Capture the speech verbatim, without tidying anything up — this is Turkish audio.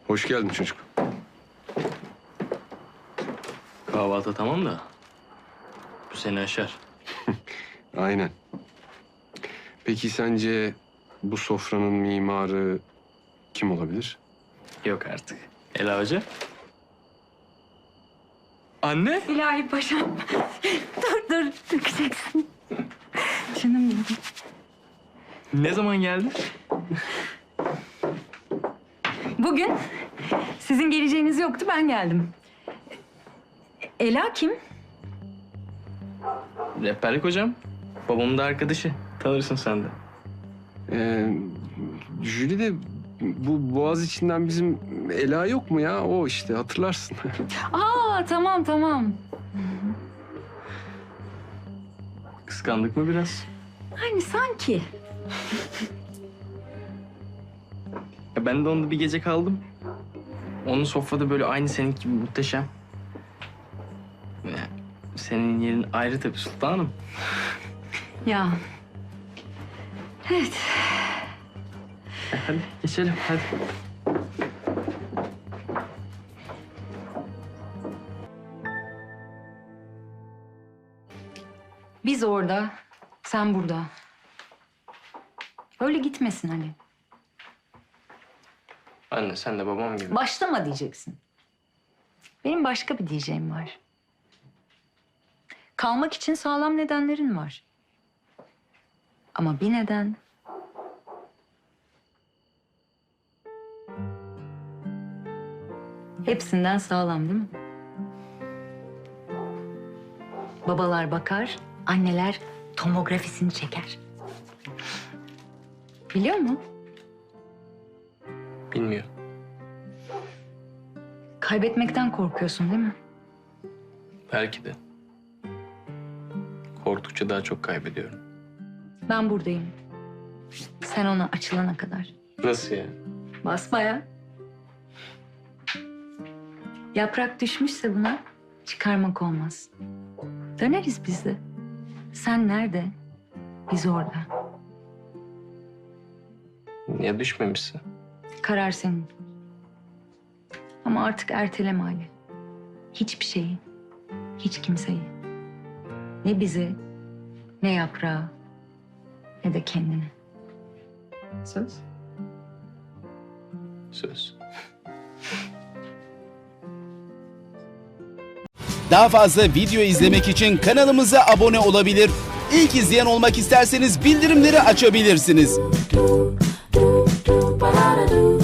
Hoş geldin çocuk. Kahvaltı tamam da bu seni aşar. Aynen. Peki sence bu sofranın mimarı kim olabilir? Yok artık. Ela Hoca. Anne. İlahi paşam. dur dur dökeceksin. Canım benim. Ne zaman geldin? Bugün sizin geleceğiniz yoktu, ben geldim. Ela kim? Rehberlik hocam. Babamın da arkadaşı. Tanırsın sen de. Ee, Jüli de bu boğaz içinden bizim Ela yok mu ya? O işte hatırlarsın. Aa tamam tamam. Kıskandık mı biraz? Hani sanki. Ya ben de onda bir gece kaldım. Onun sofrada böyle aynı senin gibi muhteşem. Ya, senin yerin ayrı tabii sultanım. Ya. Evet. E, hadi geçelim hadi. Biz orada, sen burada. Öyle gitmesin hani. Anne sen de babam gibi. Başlama diyeceksin. Benim başka bir diyeceğim var. Kalmak için sağlam nedenlerin var. Ama bir neden... hepsinden sağlam değil mi? Babalar bakar, anneler tomografisini çeker. Biliyor musun? Bilmiyorum. Kaybetmekten korkuyorsun değil mi? Belki de. Korktukça daha çok kaybediyorum. Ben buradayım. Sen ona açılana kadar. Nasıl ya? Basbaya. Yaprak düşmüşse buna çıkarmak olmaz. Döneriz biz de. Sen nerede? Biz orada. Ya düşmemişse? Karar senin. Ama artık erteleme Ali. Hiçbir şeyi, hiç kimseyi. Ne bizi, ne yaprağı, ne de kendini. Söz. Söz. Daha fazla video izlemek için kanalımıza abone olabilir. İlk izleyen olmak isterseniz bildirimleri açabilirsiniz.